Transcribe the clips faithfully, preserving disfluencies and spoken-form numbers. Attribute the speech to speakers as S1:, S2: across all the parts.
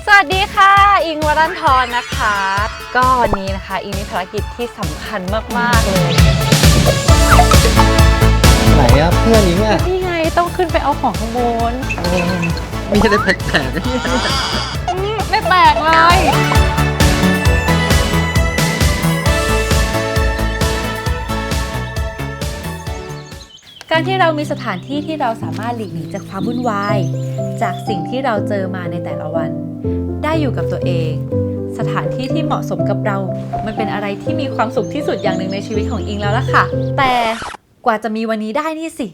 S1: สวัสดีค่ะอิงวรันทรนะคะก็วันนี้นะคะอิงมีภารกิจที่สำคัญมากๆเลย
S2: ไหนอะเพื่อนอิงอะ
S1: นี่ไงต้องขึ้นไปเอาของข้างบน
S2: มีอะไรแปลกๆนี่
S1: ไม่แปลกเลยการที่เรามีสถานที่ที่เราสามารถหลีกหนีจากความวุ่นวายจากสิ่งที่เราเจอมาในแต่ละวันได้อยู่กับตัวเองสถานที่ที่เหมาะสมกับเรามันเป็นอะไรที่มีความสุขที่สุดอย่างหนึ่งในชีวิตของอิงแล้วล่ะค่ะแต่กว่าจะมีวันนี้ได้นี่สิ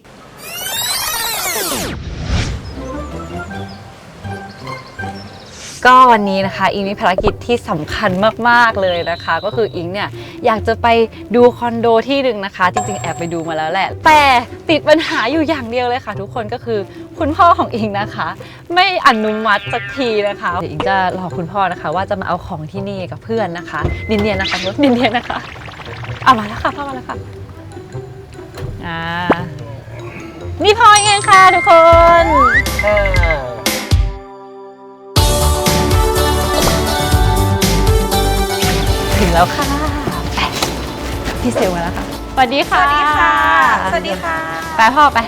S1: ก็วันนี้นะคะอิงมีภารกิจที่สำคัญมากๆเลยนะคะก็คืออิงเนี่ยอยากจะไปดูคอนโดที่หนึ่งนะคะจริงๆแอบไปดูมาแล้วแหละแต่ติดปัญหาอยู่อย่างเดียวเลยค่ะทุกคนก็คือคุณพ่อของอิงนะคะไม่อนุมัติสักทีนะคะเดี๋ยวอิงจะรอคุณพ่อนะคะว่าจะมาเอาของที่นี่กับเพื่อนนะคะเนียนๆนะคะรถเนียนๆนะคะเอามาแล้วค่ะพ่อมาแล้วค่ะอ่านี่พ่อเองค่ะทุกคนถึงแล้วค่ะไปพี่เซลมาแล้วค่ะสวัสดีค่ะ
S3: สวัสดีค่ะสวัสดีค่ะ
S1: ไปพ่อไป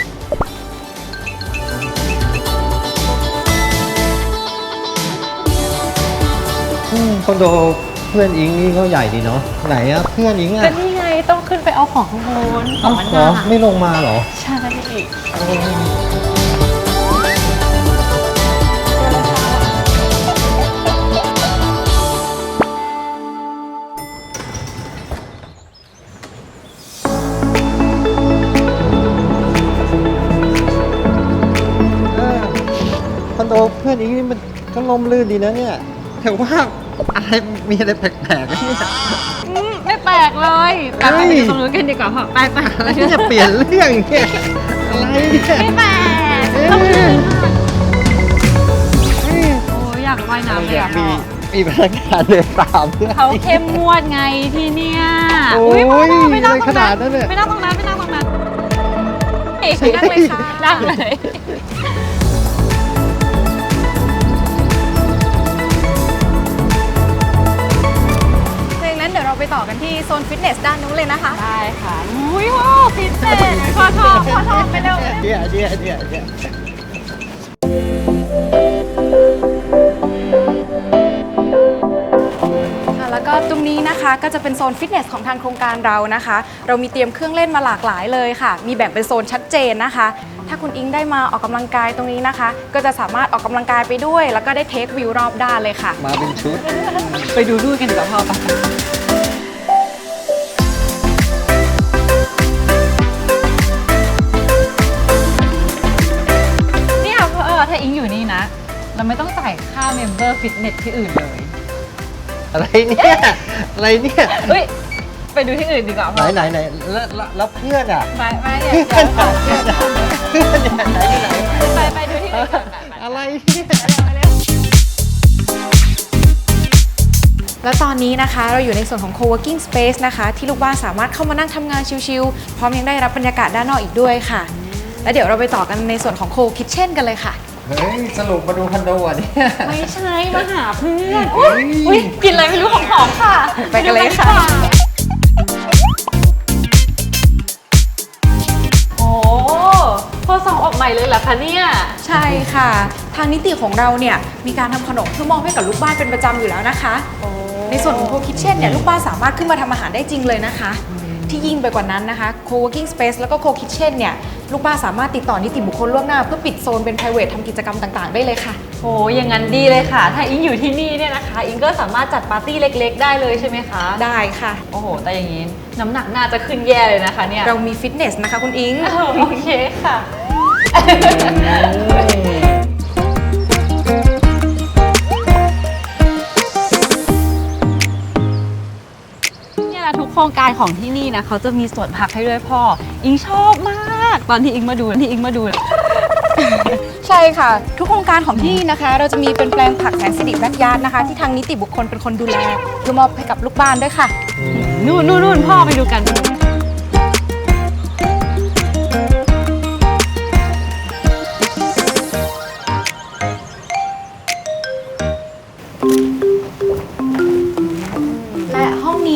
S2: คอนโดเพื่อนอิงนี่ก็ใหญ่ดีเนาะไหนอะเพื่อนอิงอะ
S1: ก็นี่ไงต้องขึ้นไปเอาของข้างบนของมันหนัก
S2: ไม่ลงมาเหรอ
S1: ใช่
S2: คอนโดเพื่อนอิงนี่มันก็ล่มลื่นดีนะเนี่ยแต่ว่าอะไรมีอะไรแปลกๆนี่
S1: ไม่แปลกเลยไปไปดูตรงนู้นกันดีกว่าพ่อไปไป
S2: อะไรที่จะเปลี่ยนเรื่องเนี่ยอะไรเนี่ย
S1: ไม่แปลกโอ้ยอยากว่ายน้ำเลยอ่ะ
S2: มีมีพนักงานเดินตาม
S1: เขาเข้มงวดไงที่เนี่ย
S2: โอ้ยไม่นั่งขนาดนั้นเลย
S1: ไม่นั่งตรงนั้นไม่นั่งตรงนั้นเฮ้ยนั่งเลยค่ะนั่งเลย
S3: เดี๋ยวเราไปต่อกันที่โซนฟิตเนสด้านนู้นเลยนะคะ
S1: ได้ค่ะอุ้ยว้าวฟิตเนสพอชอบพอชอบไปเร็ว
S2: เดี๋ยวเดี๋ยวเดี๋ยวเดี๋ยว
S3: แล้วก็ตรงนี้นะคะก็จะเป็นโซนฟิตเนสของทางโครงการเรานะคะเรามีเตรียมเครื่องเล่นมาหลากหลายเลยค่ะมีแบ่งเป็นโซนชัดเจนนะคะถ้าคุณอิงได้มาออกกำลังกายตรงนี้นะคะก็จะสามารถออกกำลังกายไปด้วยแล้วก็ได้เทควิวรอบด้านเลยค่ะ
S2: มาเป็นชุด
S1: ไปดูดูกันดีกว่าพ่อปะเนี่ยพ่อถ้าอิงอยู่นี่นะเราไม่ต้องจ่ายค่าเมมเบอร์ฟิตเนสที่อื่นเลย
S2: อะไรเนี่ยอะไรเนี่ย
S1: เฮ้ยไปดูที่อื่นดีกว่า
S2: ไหนไหนไหนแล้วแล้วเพื่อนอ่ะ
S1: ไปไปเนี่ยเพื่อนเพื่อน
S2: เพื่อนไหนไหน
S1: ไปไปดูที่อื่น
S2: อะไรเนี่ย
S3: และตอนนี้นะคะเราอยู่ในส่วนของ co-working space นะคะที่ลูกบ้านสามารถเข้ามานั่งทำงานชิลๆพร้อมยังได้รับบรรยากาศด้านนอกอีกด้วยค่ะและเดี๋ยวเราไปต่อกันในส่วนของ co-kitchen กันเลยค่ะ
S2: เฮ้ยสรุปมาดูคอนโดอ่ะเนี่ย
S1: ไม่ใช่มาหาเพื่อนอุ้ยกินอะไรไม่รู้ของหอมค่ะ
S3: ไปกันเลยค่ะ
S1: โอ้พอส่องออกใหม่เลยเหรอคะเนี่ย
S3: ใช่ค่ะทางนิติของเราเนี่ยมีการทำขนมเพื่อมอบให้กับลูกบ้านเป็นประจำอยู่แล้วนะคะในส่วนของ co-kitchen เนี่ยลูกบ้านสามารถขึ้นมาทำอาหารได้จริงเลยนะคะที่ยิ่งไปกว่านั้นนะคะ co-working space แล้วก็ co-kitchen เนี่ยลูกบ้านสามารถติดต่อนิติบุคคลล่วงหน้าเพื่อปิดโซนเป็น private ทำกิจกรรมต่างๆได้เลยค่ะ
S1: โอ้อย่างนั้นดีเลยค่ะถ้าอิงอยู่ที่นี่เนี่ยนะคะอิงก็สามารถจัดปาร์ตี้เล็กๆได้เลยใช่ไหมคะ
S3: ได้ค่ะ
S1: โอ้โหแต่อย่างนี้น้ำหนักน่าจะขึ้นแย่เลยนะคะเนี่ย
S3: เรามีฟิตเนสนะคะคุณอิง
S1: โอเคค่ะทุกโครงการของที่นี่นะเขาจะมีสวนผักให้ด้วยพ่ออิงชอบมากตอนที่อิงมาดูที่อิงมาดู
S3: ใช่ค่ะทุกโครงการของที่นี่นะคะเราจะมีเป็นแปลงผักแสนสิริแบ็คยาร์ดนะคะที่ทางนิติบุคคลเป็นคนดูแลเพื่อมอบให้กับลูกบ้านด้วยค่ะ
S1: นู่นนู่นพ่อไปดูกัน
S2: อ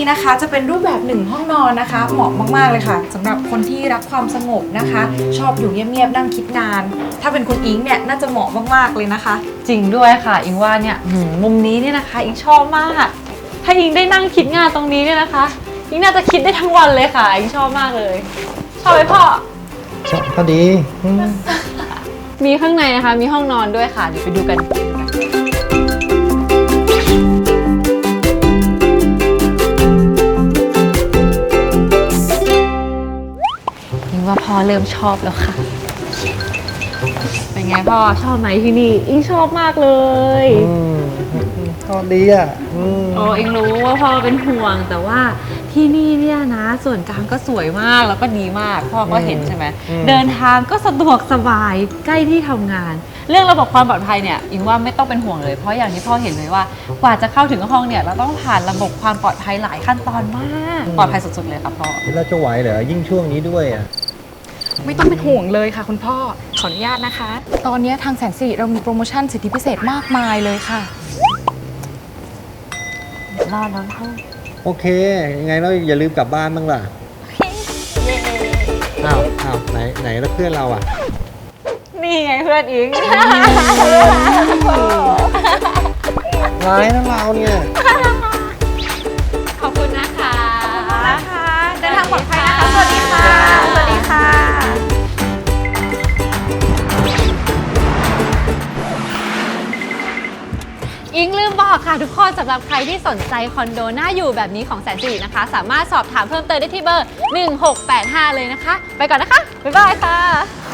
S3: นะคะจะเป็นรูปแบบหนึ่งห้องนอนนะคะ เหมาะมากๆเลยค่ะสำหรับคนที่รักความสงบนะคะ ชอบอยู่เงียบๆนั่งคิดงาน ถ้าเป็นคุณอิงเนี่ยน่าจะเหมาะมากๆเลยนะคะ
S1: จริงด้วยค่ะ อิงว่าเนี่ยหืมมุมนี้เนี่ยนะคะ อิงชอบมาก ถ้าอิงได้นั่งคิดงานตรงนี้เนี่ยนะคะ อิงน่าจะคิดได้ทั้งวันเลยค่ะ อิงชอบมากเลย ชอบไหมพ่อ
S2: ชอบก็ดีอืม
S1: มีข้างในนะคะ มีห้องนอนด้วยค่ะ เดี๋ยวไปดูกัน อิงว่าพ่อเริ่มชอบแล้วค่ะ เป็นไงพ่อชอบไหมที่นี่ อิงชอบมากเลย
S2: อืมก็ดีอ่ะอืม
S1: โอ้อิงรู้ว่าพ่อเป็นห่วง แต่ว่าที่นี่เนี่ยนะ ส่วนกลางก็สวยมากแล้วก็ดีมาก พ่อก็เห็นใช่ไหม เดินทางก็สะดวกสบายใกล้ที่ทำงาน เรื่องระบบความปลอดภัยเนี่ยอิงว่าไม่ต้องเป็นห่วงเลย เพราะอย่างที่พ่อเห็นเลยว่ากว่าจะเข้าถึงห้องเนี่ยเราต้องผ่านระบบความปลอดภัยหลายขั้นตอนมาก ปลอดภัยสุดๆเลยค่ะพ่อ
S2: แล้วจะไหวเหรอยิ่งช่วงนี้ด้วยอ่ะ
S3: ไม่ต้องเป็นห่วงเลยค่ะคุณพ่อ ขออนุญาตนะคะ ตอนนี้ทางแสนสิริเรามีโปรโมชั่นสิทธิพิเศษมากมายเลยค่ะ
S1: รอดแล้วพ่อ
S2: โอเค ยังไงเราอย่าลืมกลับบ้านบ้างล่ะอ้าวอ้าวไหนไหนแล้วเพื่อนเราอ่ะ
S1: นี่ไงเพื่อนอิง
S2: ร้ายนะเราเนี่ย
S1: ขอบคุณนะคะ
S3: นะคะเดินทางปลอดภัยนะคะ สวัสดีค่ะ สวัสดีค่ะ
S1: อิงลืมบอกค่ะทุกคนสำหรับใครที่สนใจคอนโดน่าอยู่แบบนี้ของแสนสิรินะคะ สามารถสอบถามเพิ่มเติมได้ที่เบอร์ หนึ่งหกแปดห้า เลยนะคะ ไปก่อนนะคะ บ๊ายบายค่ะ